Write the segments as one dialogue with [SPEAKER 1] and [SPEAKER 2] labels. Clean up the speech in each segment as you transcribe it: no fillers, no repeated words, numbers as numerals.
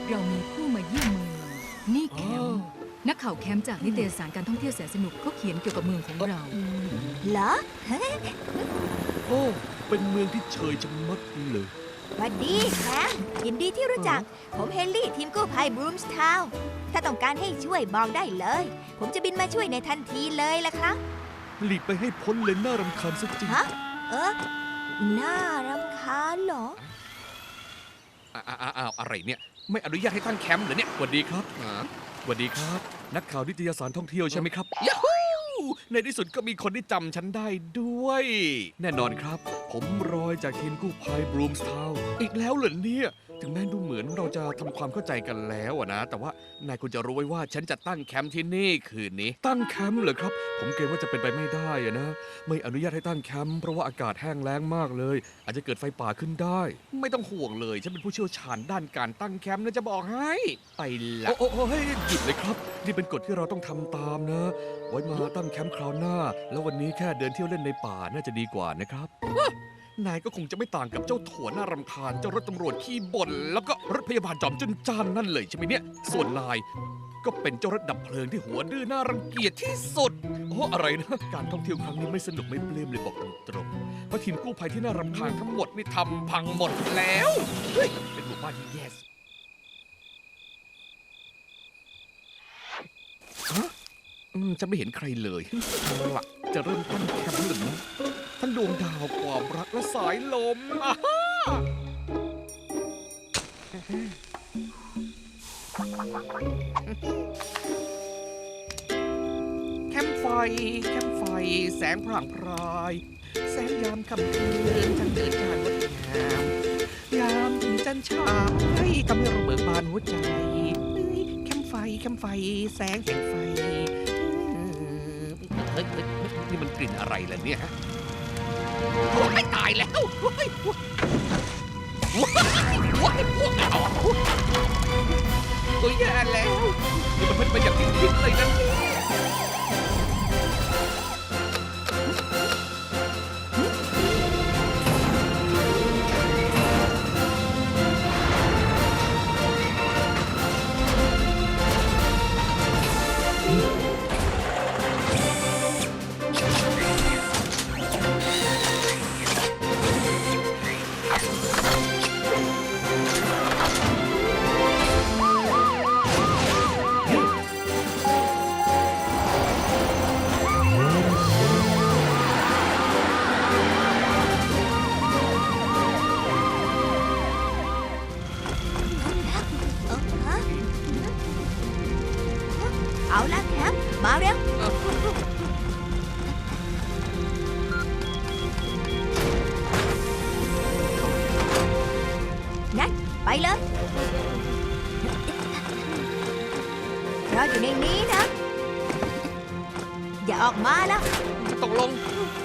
[SPEAKER 1] เรามีผู้มาเยี่ยมเมืองนี่แคมป์นักข่าวแคมป์จากนิตยสารการท่องเที่ยวแสนสนุกเขาเขียนเกี่ยวกับเมืองของเรา
[SPEAKER 2] เหรอ
[SPEAKER 3] โอ้เป็นเมืองที่เชยชะมัดเลย
[SPEAKER 2] สวัสดีแคมยินดีที่รู้จัก ผมเฮนรี่ทีมกู้ภัยบรูมส์ทาวน์ถ้าต้องการให้ช่วยบอกได้เลย ผมจะบินมาช่วยในทันทีเลยล่ะครับ
[SPEAKER 3] หลีกไปให้พ้นเลยน่ารำคาญซะจริง
[SPEAKER 2] ฮะ น่ารำคาญเหรอ
[SPEAKER 4] อ้าวอะไรเนี่ยไม่อนุญาตให้ตั้งแคมป์เหรอเนี่ย
[SPEAKER 3] สวัสดีครับสวัสดีครับ นักข่าวนิตยสารท่องเที่ยวใช่ไหมครับ
[SPEAKER 4] ยาฮูในที่สุดก็มีคนที่จำฉันได้ด้วย
[SPEAKER 3] แน่นอนครับ ผมรอยจากทีมกู้ภัยบรูมส์ทาวน์
[SPEAKER 4] อีกแล้วเหรอเนี่ยถึงแม้ดูเหมือนเราจะทำความเข้าใจกันแล้วอะนะแต่ว่านายควรจะรู้ไว้ว่าฉันจะตั้งแคมป์ที่นี่คืนนี้
[SPEAKER 3] ตั้งแคมป์เหรอครับ ผมเกรงว่าจะเป็นไปไม่ได้อะนะ ไม่อนุญาตให้ตั้งแคมป์เพราะว่าอากาศแห้งแล้งมากเลย อาจจะเกิดไฟป่าขึ้นได้
[SPEAKER 4] ไม่ต้องห่วงเลยฉันเป็นผู้เชี่ยวชาญด้านการตั้งแคมป์นะจะบอกให้ไปละ
[SPEAKER 3] โอ้เฮ้ยหยุดเลยครับ นี่เป็นกฎที่เราต้องทำตามนะ ไว้มาตั้งแคมป์คราวหน้า แล้ววันนี้แค่เดินเที่ยวเล่นในป่าน่าจะดีกว่านะครับ
[SPEAKER 4] นายก็คงจะไม่ต่างกับเจ้าถั่วน่ารำคาญเจ้ารถตำรวจขี้บ่นแล้วก็รถพยาบาลจอมจุนจ้านนั่นเลยใช่ไหมเนี่ยส่วนนายก็เป็นเจ้ารถดับเพลิงที่หัวดื้อน่ารังเกียจที่สุดโอ้อะไรนะการท่องเที่ยวครั้งนี้ไม่สนุกไม่ปลื้มเลยบอกตรงๆเพราะทีมกู้ภัยที่น่ารำคาญทั้งหมดนี่ทำพังหมดแล้วเฮ้ยเป็นหมู่บ้านที่แย่สุดฮะฉันไม่เห็นใครเลยเอาล่ะจะเริ่มตั้งแคมป์หรือนะทั้งดวงดาวความรักและสายลมอ่าฮะแคมป์ไฟแสงพร่างพราย แสงยามค่ำคืนจันเดินจานงดงามยามถึงจันทรายทำให้เราเบิกบานหัวใจแคมป์ไฟแสงแห่งไฟเฮ้ยนี่มันกลิ่นอะไรล่ะเนี่ยฮะโอ้ยตายแล้วโอ้ยตัวแย่แล้วนี่มันเป็นอย่างที่คิดเลยนะ
[SPEAKER 2] เอาละแคมมาเร็ว งั้น ไปเลย รออยู่ในนี้นะ อย่าออกมาแล้ว
[SPEAKER 4] ตกลง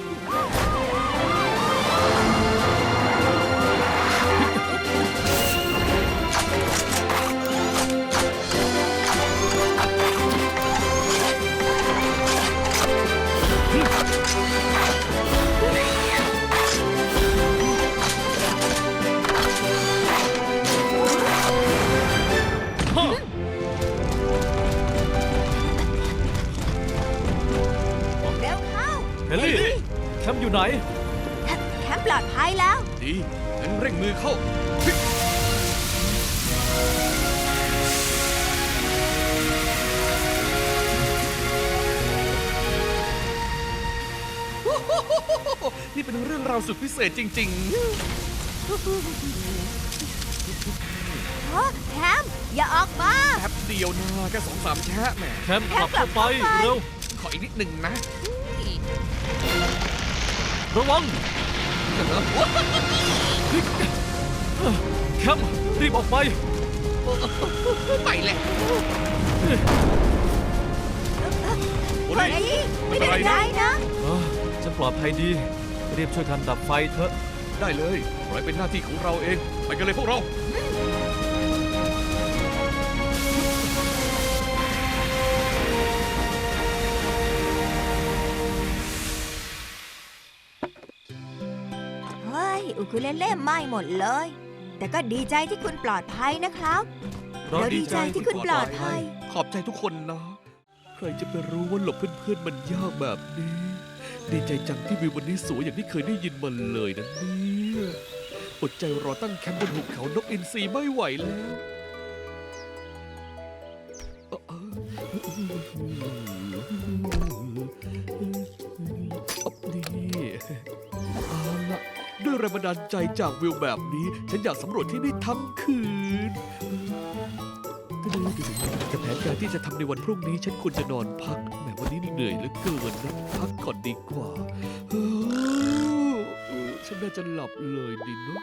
[SPEAKER 2] เร็วเข้า
[SPEAKER 3] เฮนรี่ แคมป์อยู่ไหน
[SPEAKER 2] แคมป์ปลอดภัยแล้ว
[SPEAKER 4] ดีงั้นเร่งมือเข้านี่เป็นเรื่องราวสุดพิเศษจริง
[SPEAKER 2] แคมป์อย่าออกมา
[SPEAKER 4] ๆแป๊บเดียวนะแค่2-3 แชะแหม
[SPEAKER 3] แคมป์กลับเข้าไป เร็ว
[SPEAKER 4] ขออีกนิดหนึ่งนะ
[SPEAKER 3] ระวัง แคมป์รีบออกไป
[SPEAKER 4] ไปเลยโอ้
[SPEAKER 2] เฮ้
[SPEAKER 4] ย
[SPEAKER 2] ยไม่เป็นไรนะ
[SPEAKER 3] ฉันปลอดภัยดี รีบช่วยกันดับไฟเถอะ
[SPEAKER 4] ได้เลยปล่อยเป็นหน้าที่ของเราเอง ไปกันเลยพวกเรา
[SPEAKER 2] เฮ้ย อุคุเลเล่ไหม้หมดเลย แต่ก็ดีใจที่คุณปลอดภัยนะครับเราดีใจที่คุณปลอดภัย
[SPEAKER 4] ขอบใจทุกคนนะ
[SPEAKER 3] ใครจะไปรู้ว่าหลบเพื่อนๆมันยากแบบนี้ ดีใจจังที่วิววันนี้สวยอย่างที่เคยได้ยินมาเลยนะเนี่ยอดใจรอตั้งแคมป์บนหุบเขานกอินทรีไม่ไหวแล้วนี่เอาละด้วยแรงบันดาลใจจากวิวแบบนี้ ฉันอยากสำรวจที่นี่ทั้งคืน แต่แผนการที่จะทำในวันพรุ่งนี้ ฉันควรจะนอนพักแหมวันนี้เหนื่อยเหลือเกินนะพักก่อนดีกว่าฉันน่าจะหลับเลยดีเนาะ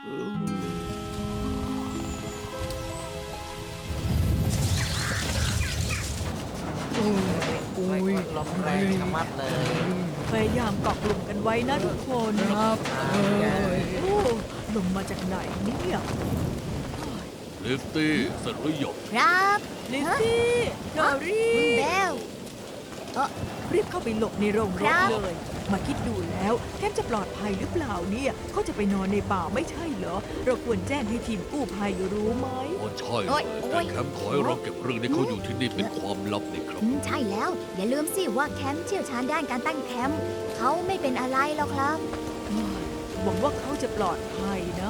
[SPEAKER 3] โอ้ย
[SPEAKER 5] ลมแรงชะมัดเลย
[SPEAKER 6] พยายามเกาะกลุ่มกันไว้นะทุกคน
[SPEAKER 3] ครับ
[SPEAKER 6] โอ้ลมมาจากไหนเนี่ย
[SPEAKER 3] ลิฟตี้เสร็จหรือยัง
[SPEAKER 2] ครับ
[SPEAKER 6] ลิซซี่ดอรี่
[SPEAKER 2] คุณเบล
[SPEAKER 6] รีบเข้าไปหลบในโรงร
[SPEAKER 2] ครั
[SPEAKER 6] ถ
[SPEAKER 2] บ
[SPEAKER 6] เลย มาคิดดูแล้วแคมจะปลอดภัยหรือเปล่าเนี่ยเขาจะไปนอนในป่าไม่ใช่เหรอ เราควรแจ้งให้ทีมกู้ภัยรู้ไหม
[SPEAKER 3] อ๋อใช่
[SPEAKER 2] โอ๊ย
[SPEAKER 3] แต่แคมป์ขอให้เราเก็บเรื่องที่เขาอยู่ที่นี่เป็นความลับนี่ครับ
[SPEAKER 2] ใช่แล้ว อย่าลืมสิว่าแคมป์เชี่ยวชาญด้านการตั้งแคมป์เขาไม่เป็นอะไรหรอกครับ
[SPEAKER 6] หวังว่าเขาจะปลอดภัยนะ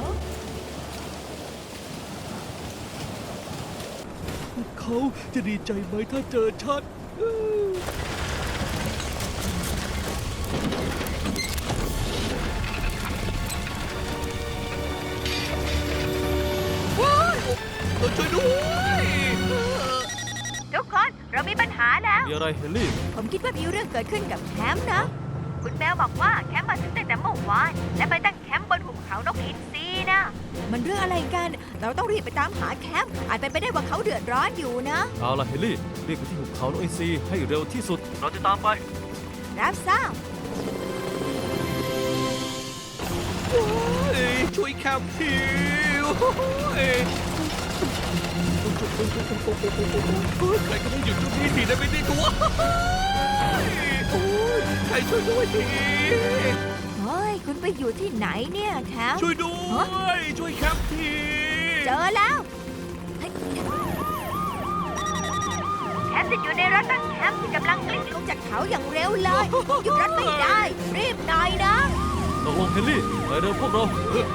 [SPEAKER 3] เขาจะดีใจไหมถ้าเจอฉัน
[SPEAKER 4] ช่วยด้วย
[SPEAKER 2] ทุกคนเรามีปัญหาแล้ว
[SPEAKER 5] มีอะไรเฮนรี่
[SPEAKER 2] ผมคิดว่ามีเรื่องเกิดขึ้นกับแคมป์นะ คุณแมวบอกว่าแคมป์มาถึงตั้งแต่เมื่อวาน และไปตั้งแคมป์บนหุบเขานกอินทรีนะ มันเรื่องอะไรกัน เราต้องรีบไปตามหาแคมป์อาจเป็นไปได้ว่าเขาเดือดร้อนอยู่นะ
[SPEAKER 5] เอาล่ะเฮนรี่รีบไปที่หุบเขาโนอินซีให้เร็วที่สุด เราจะตามไป
[SPEAKER 2] รับทราบ
[SPEAKER 4] ช่วยแคมป์ทีใครก็ได้หยุดตรงนี้ทีได้ไหมนี่ตัวใครช่วยด้วยที
[SPEAKER 2] เฮ้ย คุณไปอยู่ที่ไหนเนี่ยแคมป์
[SPEAKER 4] ช่วยด้วย ช่วยแคมป์ที
[SPEAKER 2] เจอแล้วเฮ้ยแคมป์จะอยู่ในรถตั้งแคมป์ที่กำลังกลิ้งลงจากเขาอย่างเร็วเลยหยุดรถไม่ได้ รีบหน่อยนะ
[SPEAKER 5] ตกลงเฮนรี่ไปเร็วพวกเรา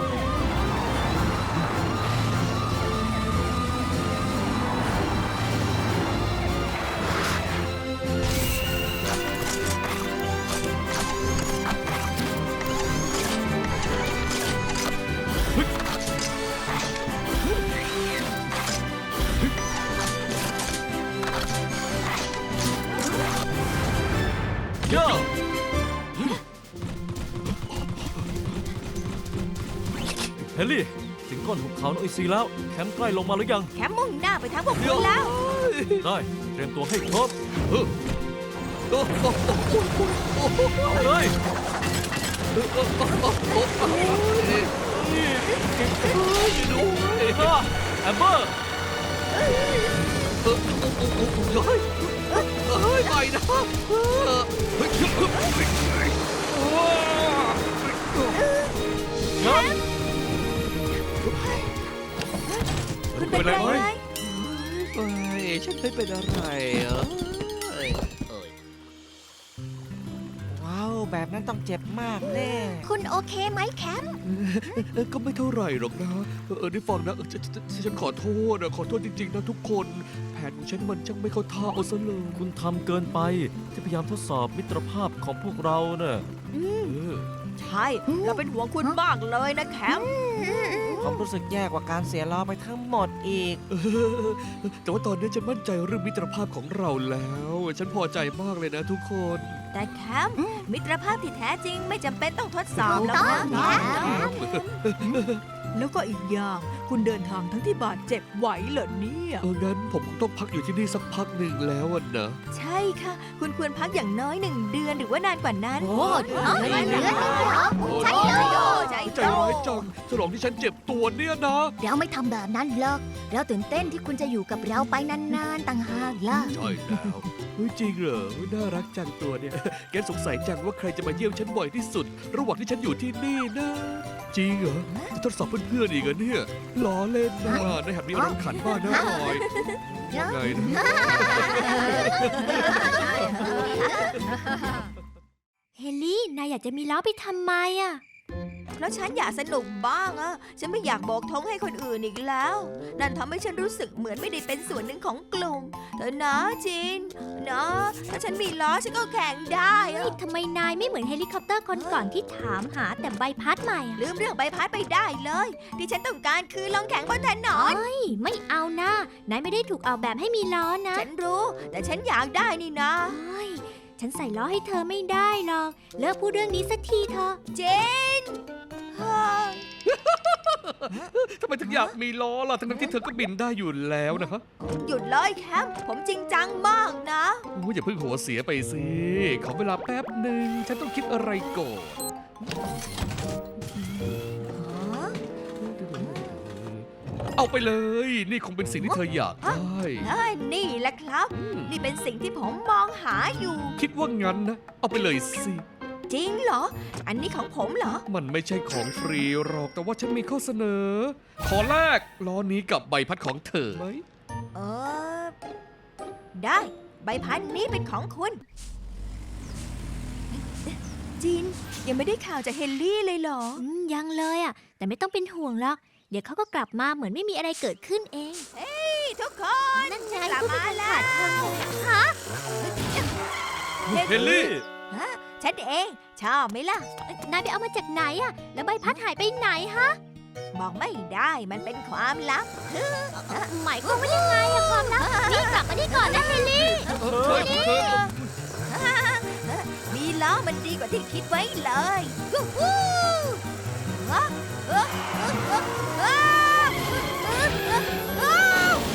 [SPEAKER 5] ย่าเฮนรี่ ถึงก้นหุบเขาโนอินซีแล้ว แคมป์ใกล้ลงมาหรือยัง
[SPEAKER 2] แคมป์มุ่งหน้าไปทางพวกคุณแล้ว
[SPEAKER 5] ได้ เตรียมตัวให้ครบ
[SPEAKER 4] โอ้โห
[SPEAKER 5] เอาเลย ฮ่าแอมเบอร์
[SPEAKER 4] ไม่นะ
[SPEAKER 5] งั้น
[SPEAKER 2] คุณเป็นไรไหม
[SPEAKER 4] ฉันไม่เป็นอะไรอ่ะ
[SPEAKER 7] ว้าว แบบนั้นต้องเจ็บมากแน่
[SPEAKER 2] คุณโอเคไหมแคมป์
[SPEAKER 3] ก็ไม่เท่าไหร่หรอกนะได้ฟังนะฉันขอโทษนะขอโทษจริงๆนะทุกคน แผนของฉันมันช่างไม่เข้าท่าเอาซะเลย
[SPEAKER 5] คุณทำเกินไปที่พยายามทดสอบมิตรภาพของพวกเราเน่ะ
[SPEAKER 6] ใช่ เราเป็นห่วงคุณมากเลยนะแคมป์
[SPEAKER 7] ผมรู้สึกแย่กว่าการเสียล้อไปทั้งหมดอีก
[SPEAKER 3] แต่ว่าตอนนี้ฉันมั่นใจเรื่องมิตรภาพของเราแล้ว ฉันพอใจมากเลยนะทุกคน
[SPEAKER 2] แต่แคมป์มิตรภาพที่แท้จริงไม่จำเป็นต้องทดสอบหรอกนะแคมป์
[SPEAKER 6] แล้วก็อีกอย่าง คุณเดินทางทั้งที่บาดเจ็บไหวเหรอเนี่ย
[SPEAKER 3] งั้นผมคงต้องพักอยู่ที่นี่สักพักหนึ่งแล้วอะนะ
[SPEAKER 2] ใช่ค่ะ คุณควรพักอย่างน้อย1 เดือนหรือว่านานกว่านั้น
[SPEAKER 6] โอ้ย
[SPEAKER 2] 1 เดือนเหรอใช่เลยใช่
[SPEAKER 3] ใจร้ายจังฉลองที่ฉันเจ็บตัวเนี่ยนะ
[SPEAKER 2] เราไม่ทำแบบนั้นหรอกเราตื่นเต้นที่คุณจะอยู่กับเราไปนานๆต่างหากล่ะ
[SPEAKER 3] ใช่แล้วเฮ้ยจริงเหรอน่ารักจังตัวเนี่ย แกสงสัยจังว่าใครจะมาเยี่ยมฉันบ่อยที่สุด ระหว่างที่ฉันอยู่ที่นี่นะจริงเหรอ จะทดสอบเพื่อนๆอีกเหรอเนี่ยล้อเล่นนะในหัดมีอารมณ์ขันบ้างนะพลอยว่าไงนะ
[SPEAKER 2] เฮลลี่ นายอยากจะมีล้อไปทำไมอ่ะ เพราะฉันอยากสนุกบ้างอะฉันไม่อยากโบกธงให้คนอื่นอีกแล้ว นั่นทำให้ฉันรู้สึกเหมือนไม่ได้เป็นส่วนหนึ่งของกลุ่มเธอนะจินนะถ้าฉันมีล้อฉันก็แข่งได้อะ
[SPEAKER 8] ทำไมนายไม่เหมือนเฮลิคอปเตอร์คนก่อนที่ถามหาแต่ใบพัดใหม่อะ
[SPEAKER 2] ลืมเรื่องใบพัดไปได้เลย ที่ฉันต้องการคือลองแข่งบนถนน
[SPEAKER 8] เฮ้ย ไม่เอานะ นายไม่ได้ถูกออกแบบให้มีล้อนะ
[SPEAKER 2] ฉันรู้ แต่ฉันอยากได้นี่นะ
[SPEAKER 8] เฮ้ย ฉันใส่ล้อให้เธอไม่ได้หรอก เลิกพูดเรื่องนี้สักทีเถอะ
[SPEAKER 2] เจนเฮ้ย
[SPEAKER 3] ทำไมถึงอยากมีล้อล่ะ ทั้งที่เธอก็บินได้อยู่แล้วนะฮะ
[SPEAKER 2] หยุดเลยแคมผมจริงจังมากนะ
[SPEAKER 3] โอ้ยอย่าเพิ่งหัวเสียไปสิ ขอเวลาแป๊บหนึ่ง ฉันต้องคิดอะไรก่อน เอาไปเลย นี่คงเป็นสิ่งที่เธออยากได้
[SPEAKER 2] นี่แหละครับ นี่เป็นสิ่งที่ผมมองหาอยู่
[SPEAKER 3] คิดว่างั้นนะ เอาไปเลยสิ
[SPEAKER 2] จริงเหรอ อันนี้ของผมเหรอ
[SPEAKER 3] มันไม่ใช่ของฟรีหรอก แต่ว่าฉันมีข้อเสนอ ขอแลกล้อนี้กับใบพัดของเธอไหม
[SPEAKER 2] เออ ได้ ใบพัดนี้เป็นของคุณจินยังไม่ได้ข่าวจากเฮนรี่เลยเหรอ
[SPEAKER 8] ยังเลยอ่ะ แต่ไม่ต้องเป็นห่วงหรอก เดี๋ยวเขาก็กลับมาเหมือนไม่มีอะไรเกิดขึ้นเอง
[SPEAKER 2] นี่ทุกคน
[SPEAKER 8] นั่นไง
[SPEAKER 2] กลับมาแล้ว
[SPEAKER 5] เฮลลี่
[SPEAKER 2] ฉันเองชอบไหมล่ะ
[SPEAKER 8] นายไปเอามาจากไหนอ่ะ แล้วใบพัดหายไปไหนฮะ
[SPEAKER 2] บอกไม่ได้มันเป็นความลับ
[SPEAKER 8] หมายความว่ายังไงอะความลับนี่กลับมานี่ก่อนนะเฮลลี่
[SPEAKER 2] มีล้อมันดีกว่าที่คิดไว้เลยยูฮูว้าวว้าวว้าวว้าว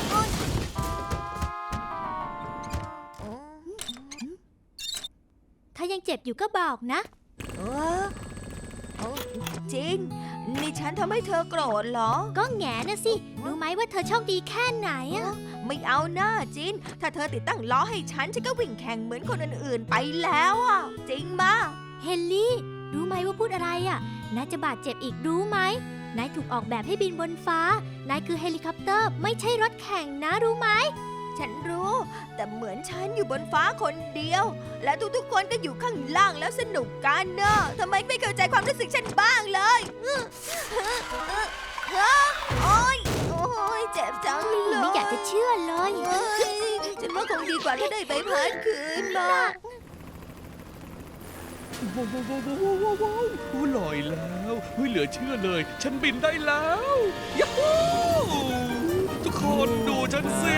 [SPEAKER 8] ถ้ายังเจ็บอยู่ก็บอกนะ
[SPEAKER 2] เออโอ้จินนี่ฉันทำให้เธอโกรธเหรอ
[SPEAKER 8] ก็แหงนะสิ รู้ไหมว่าเธอโชคดีแค่ไหนอะ
[SPEAKER 2] ไม่เอาหน้าจิน ถ้าเธอติดตั้งล้อให้ฉันก็วิ่งแข่งเหมือนคนอื่นๆไปแล้วอ่ะ จริงมา
[SPEAKER 8] เฮลลี่ รู้ไหมว่าพูดอะไรอะนายจะบาดเจ็บอีกรู้ไหม นายถูกออกแบบให้บินบนฟ้า นายคือเฮลิคอปเตอร์ไม่ใช่รถแข่งนะรู้ไหม
[SPEAKER 2] ฉันรู้ แต่เหมือนฉันอยู่บนฟ้าคนเดียว และทุกๆคนก็อยู่ข้างล่างแล้วสนุกกันเนอะทำไมไม่เข้าใจความรู้สึกฉันบ้างเลยโอ๊ยโอ๊ยเจ็บจังเลย
[SPEAKER 8] ไม่อยากจะเชื่อเลย
[SPEAKER 2] เฮ้ยฉันว่าคงดีกว่าถ้าได้ใบพัดคืนมา
[SPEAKER 3] ว้าวว้าวว้าวว้าวว้าวว้าวโอ้ลอยแล้วเฮ้ยเหลือเชื่อเลย ฉันบินได้แล้วยัฮูทุกคนดูฉันสิ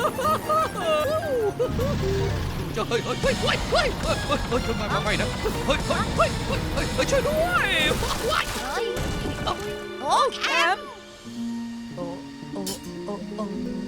[SPEAKER 3] เฮ้ยเฮ้ยเฮ้ยเฮ้ยเฮ้ยเฮ้ยเฮ้ยเฮ้ยไม่นะเฮ้ยเฮ้ยเฮ้ยเฮ้ยเฮ้ยช่วยด้วยว้าย
[SPEAKER 2] โอ้แคมโอ้โอ้โอ้โอ้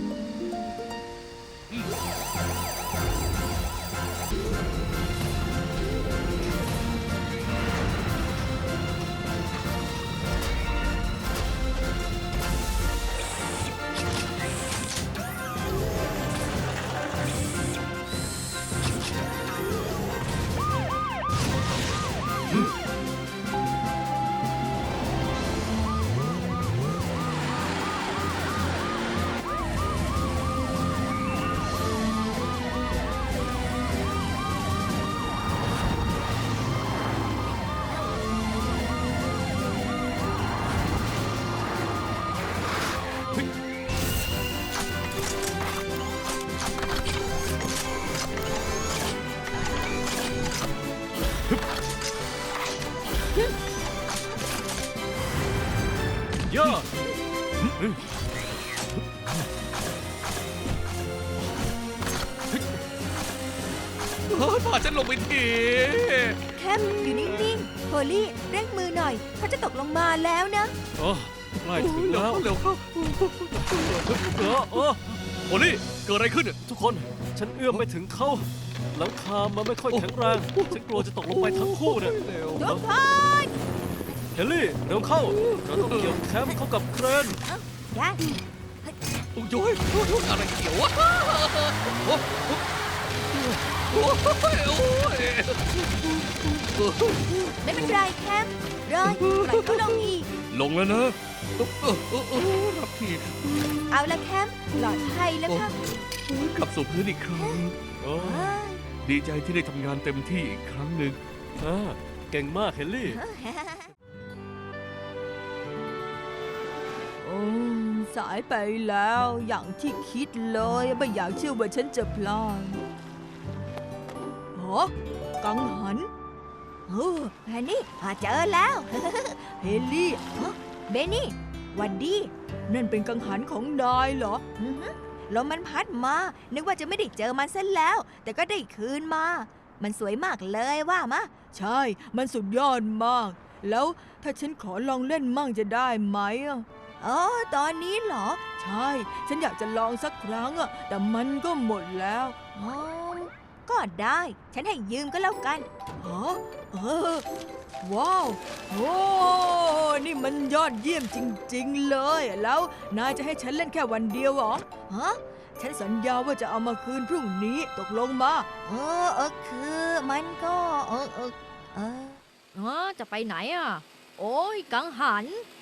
[SPEAKER 5] ย่า
[SPEAKER 3] พาฉันลงไปที
[SPEAKER 2] แคมอยู่นิ่งๆโฮลี่เร่งมือหน่อยเขาจะตกลงมาแล้วนะ
[SPEAKER 5] โอ้ใกล้ถึงแล้ว
[SPEAKER 3] เร็วเข้า โอลี่เกิดอะไรขึ้นเนี่ย
[SPEAKER 5] ทุกคน ฉันเอื้อมไปถึงเขาหลังคามันไม่ค่อยแข็งแรง ฉันกลัวจะตกลงไปทั้งคู่เนี่ย
[SPEAKER 3] เร็ว
[SPEAKER 2] ทุกคน
[SPEAKER 5] เฮลลี่ เร็วเข้า เราต้องเกี่ยวแคมเข้ากับเครน
[SPEAKER 2] ได้
[SPEAKER 3] โอ้ยอะไรเกี่ยววะ
[SPEAKER 4] โอ้ยโอ้ย
[SPEAKER 2] ไม่เป็นไรแคมเลยปล่อยเขาลงอีก
[SPEAKER 4] ลงแล้วนะรับที
[SPEAKER 2] เอาละแคมปลอดภัยแล้วค่ะ
[SPEAKER 3] กลับสู่พื้นอีกครั้ง
[SPEAKER 5] โอ้
[SPEAKER 2] เอ้ย
[SPEAKER 3] ดีใจที่ได้ทำงานเต็มที่อีกครั้งหนึ่ง
[SPEAKER 5] เก่งมากเฮนรี่
[SPEAKER 6] โอ้สายไปแล้วอย่างที่คิดเลยไม่อยากเชื่อว่าฉันจะพลาดฮะกังหัน
[SPEAKER 2] โอ้แฮนนี่เจอแล้ว
[SPEAKER 6] เฮลี่
[SPEAKER 2] เบนนี่หวันดี
[SPEAKER 6] นั่นเป็นกังหันของนายเหรอ
[SPEAKER 2] อือหือลมมันพัดมา นึกว่าจะไม่ได้เจอมันซะแล้ว แต่ก็ได้คืนมา มันสวยมากเลยว่ามะ
[SPEAKER 6] ใช่ มันสุดยอดมาก แล้วถ้าฉันขอลองเล่นมั่งจะได้ไหมอะ
[SPEAKER 2] อ๋อตอนนี้เหรอ
[SPEAKER 6] ใช่ ฉันอยากจะลองสักครั้งอะแต่มันก็หมดแล้ว
[SPEAKER 2] อ๋อ ก็ได้ ฉันให้ยืมก็แล้วกัน
[SPEAKER 6] ฮะว้าว โอ้นี่มันยอดเยี่ยมจริง ๆ เลย แล้วนายจะให้ฉันเล่นแค่วันเดียวเหรอ
[SPEAKER 2] ฮะ
[SPEAKER 6] ฉันสัญญาว่าจะเอามาคืนพรุ่งนี้ตกลงมา
[SPEAKER 2] คือมันก็
[SPEAKER 8] จะไปไหนอ่ะ โอ้ยกังหัน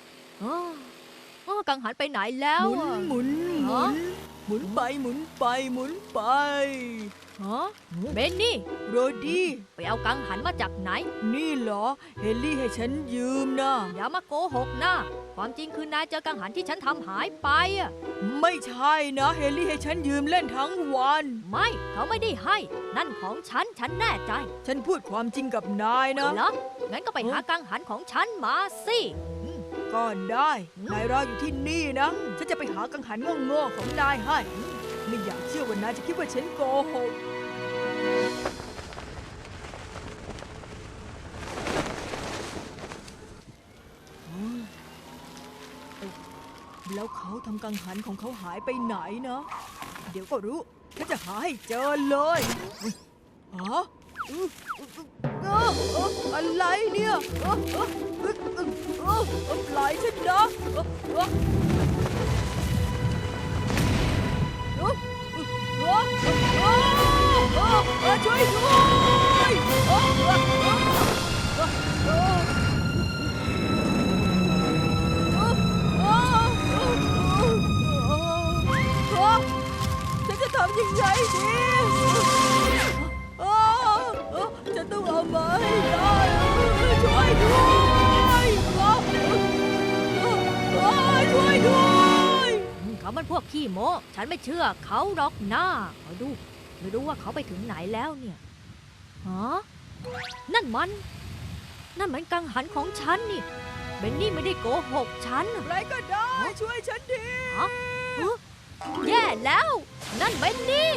[SPEAKER 8] กังหันไปไหนแล้ว
[SPEAKER 6] หมุน
[SPEAKER 8] อะ
[SPEAKER 6] หมุนหมุ
[SPEAKER 8] ฮะ
[SPEAKER 6] นหมุนไปหมุนไปหมุนไป
[SPEAKER 8] ฮะเบนนี่
[SPEAKER 6] โรดี้
[SPEAKER 8] ไปเอากังหันมาจากไหน
[SPEAKER 6] นี่เหรอ เฮลลี่ให้ฉันยืมนะ
[SPEAKER 8] อย่ามาโกหกนะ ความจริงคือนายเจอกังหันที่ฉันทำหายไปอะ
[SPEAKER 6] ไม่ใช่นะ เฮลลี่ให้ฉันยืมเล่นทั้งวัน
[SPEAKER 8] ไม่เขาไม่ได้ให้ นั่นของฉัน ฉันแน่ใจ
[SPEAKER 6] ฉันพูดความจริงกับนายนะ
[SPEAKER 8] เหรอ งั้นก็ไปหากังหันของฉันมาสิ
[SPEAKER 6] ก็ได้ นายรออยู่ที่นี่นะ ฉันจะไปหากังหันโง่ๆของนายให้ ไม่อยากเชื่อว่านายจะคิดว่าฉันโกหก แล้วเขาทำกังหันของเขาหายไปไหนนะ เดี๋ยวก็รู้ ฉันจะหาให้เจอเลยฮะอะไรเนี่ยปล่อยฉันนะช่วยด้วยฉันจะทำยังไงดีฉันต้องเอามาให้ได้ช่วยด้วยช่วยด้วย
[SPEAKER 8] เขามันพวกขี้โม้ ฉันไม่เชื่อเขาหรอกนะคอยดู ไม่รู้ว่าเขาไปถึงไหนแล้วเนี่ยฮะนั่นมันกังหันของฉันนี่ เบนนี่ไม่ได้โกหกฉัน
[SPEAKER 6] ใครก็ได้ ช่วยฉันที
[SPEAKER 8] แย่แล้ว นั่นเบนนี่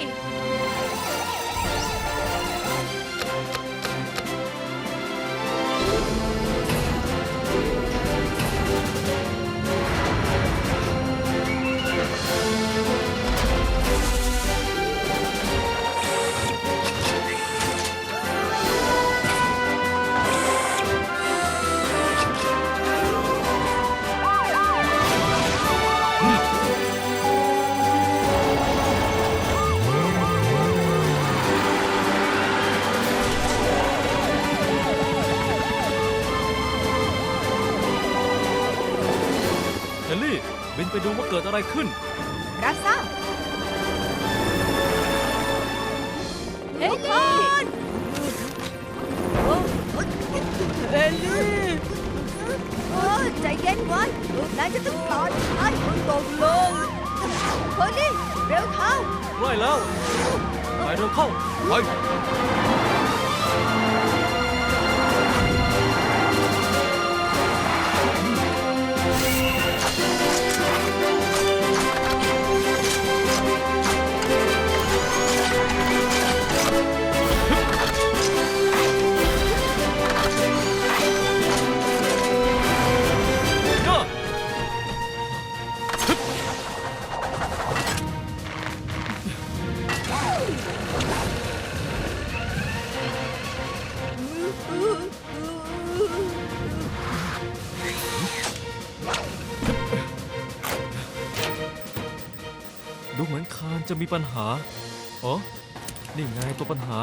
[SPEAKER 5] เฮนรี่บินไปดูว่าเกิดอะไรขึ้น
[SPEAKER 2] รับทราบ
[SPEAKER 6] เฮลลี่เฮลลี่
[SPEAKER 2] ใจเย็นไว้ นายจะต้องปลอดภัย
[SPEAKER 6] ตกลง
[SPEAKER 2] เฮ้ยนี่เร็วเข้า
[SPEAKER 5] ไล่แล้ว ไปเร็วเข้า
[SPEAKER 4] ไป
[SPEAKER 5] ดูเหมือนคานจะมีปัญหาอ๋อนี่ไงตัวปัญหา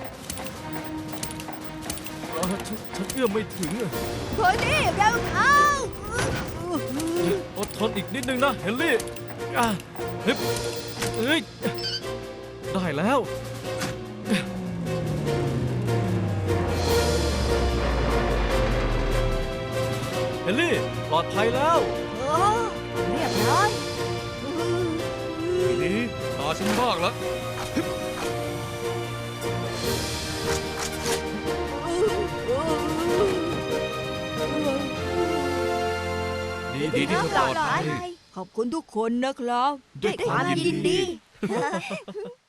[SPEAKER 5] ฉันเอื้อมไม่ถึงอะ
[SPEAKER 2] โพนี่เร็วเข้า
[SPEAKER 5] อดทนอีกนิดนึงนะเฮนรี่อ่ะฮึบเอ้ยได้แล้วเฮนรี่ปลอดภัยแล้ว
[SPEAKER 2] โอ้เรียบร้อย
[SPEAKER 4] ทีนี้ตาฉันบ้างแล้ว ดีที่เธอปลอดภัย
[SPEAKER 6] ขอบคุณทุกคนนะครับ
[SPEAKER 4] ด้วยความยินดี
[SPEAKER 2] ดี